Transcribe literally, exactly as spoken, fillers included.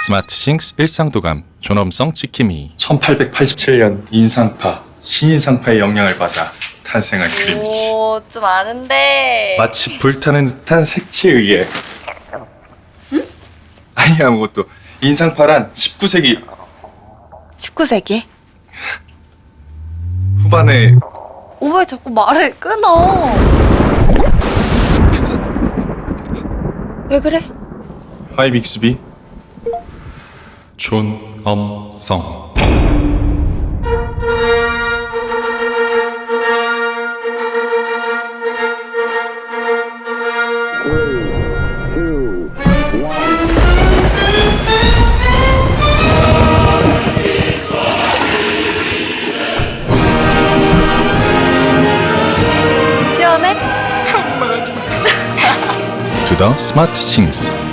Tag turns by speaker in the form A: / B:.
A: 스마트싱스 일상도감 존엄성 지킴이.
B: 천팔백팔십칠 년 인상파, 신인상파의 영향을 받아 탄생한 그림이지.
C: 오, 좀 아는데.
B: 마치 불타는 듯한 색채에 의해. 응? 아니 아무것도. 인상파란 십구 세기
C: 십구 세기?
B: 후반에
C: 오, 왜 자꾸 말을 끊어? 왜 그래?
B: 하이 빅스비.
A: 존엄성.
C: 시원해?
A: To the 스마트싱스.